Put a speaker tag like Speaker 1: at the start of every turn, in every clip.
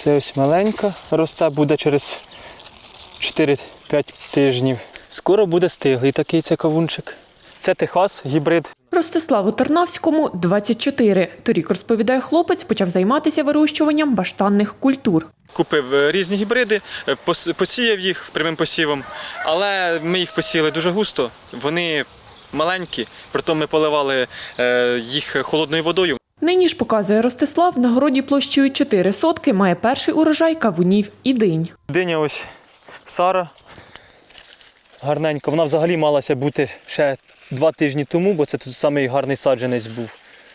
Speaker 1: Це ось маленька росте, буде через 4-5 тижнів. Скоро буде стиглий такий це кавунчик. Це Техас, гібрид.
Speaker 2: Ростиславу Тарнавському 24. Торік, розповідає хлопець, почав займатися вирощуванням баштанних культур.
Speaker 1: Купив різні гібриди, посіяв їх прямим посівом, але ми їх посіяли дуже густо, вони маленькі, притом ми поливали їх холодною водою.
Speaker 2: Нині ж, показує Ростислав, на городі площею 4 сотки має перший урожай кавунів і динь.
Speaker 1: Диня ось Сара, гарненька, вона взагалі малася бути ще 2 тижні тому, бо це тут самий гарний саджанець був.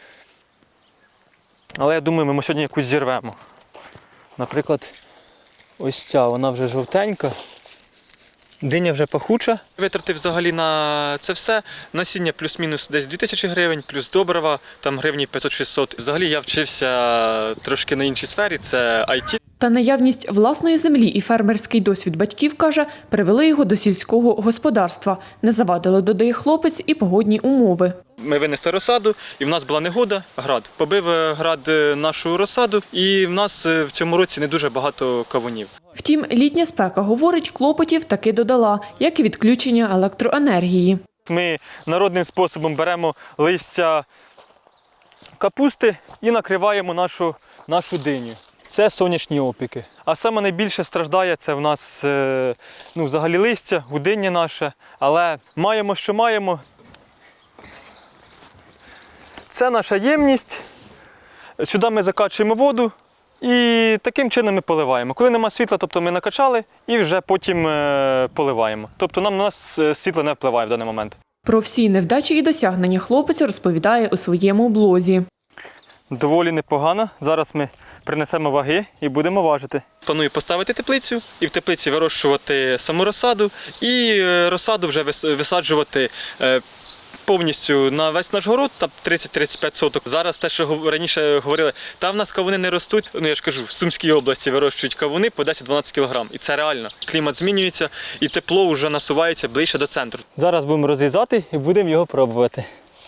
Speaker 1: Але я думаю, ми сьогодні якусь зірвемо. Наприклад, ось ця, вона вже жовтенька. Диня вже пахуча. Витратив взагалі на це все. Насіння плюс-мінус десь 2000 гривень, плюс добрива, там гривні 500-600. Взагалі я вчився трошки на іншій сфері, це IT.
Speaker 2: Та наявність власної землі і фермерський досвід батьків, каже, привели його до сільського господарства. Не завадили, додає хлопець, і погодні умови.
Speaker 1: Ми винесли розсаду, і в нас була негода, град. Побив град нашу розсаду, і в нас в цьому році не дуже багато кавунів.
Speaker 2: Втім, літня спека, говорить, клопотів таки додала, як і відключення електроенергії.
Speaker 1: Ми народним способом беремо листя капусти і накриваємо нашу диню. Це сонячні опіки. А саме найбільше страждає це в нас взагалі листя, гудиння наше. Але маємо, що маємо. Це наша ємність. Сюди ми закачуємо воду і таким чином ми поливаємо. Коли нема світла, тобто ми накачали і вже потім поливаємо. Тобто на нас світло не впливає в даний момент.
Speaker 2: Про всі невдачі і досягнення хлопець розповідає у своєму блозі.
Speaker 1: Доволі непогано. Зараз ми принесемо ваги і будемо важити. Планую поставити теплицю і в теплиці вирощувати саму розсаду і розсаду вже висаджувати повністю на весь наш город, там 30-35 соток. Зараз те, що раніше говорили, там в нас кавуни не ростуть. Я ж кажу, в Сумській області вирощують кавуни по 10-12 кг. І це реально. Клімат змінюється і тепло вже насувається ближче до центру. Зараз будемо розрізати і будемо його пробувати.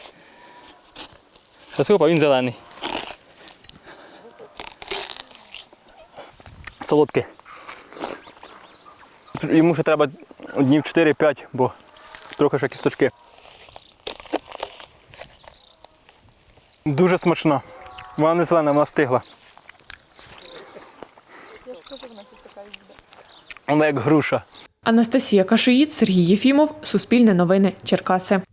Speaker 1: Він зелений. Солодкий. Йому ще треба днів 4-5, бо трохи ще кісточки. Дуже смачно. Вона не зелена, вона стигла. Вона як груша.
Speaker 2: Анастасія Кашиїд, Сергій Єфімов, Суспільне новини, Черкаси.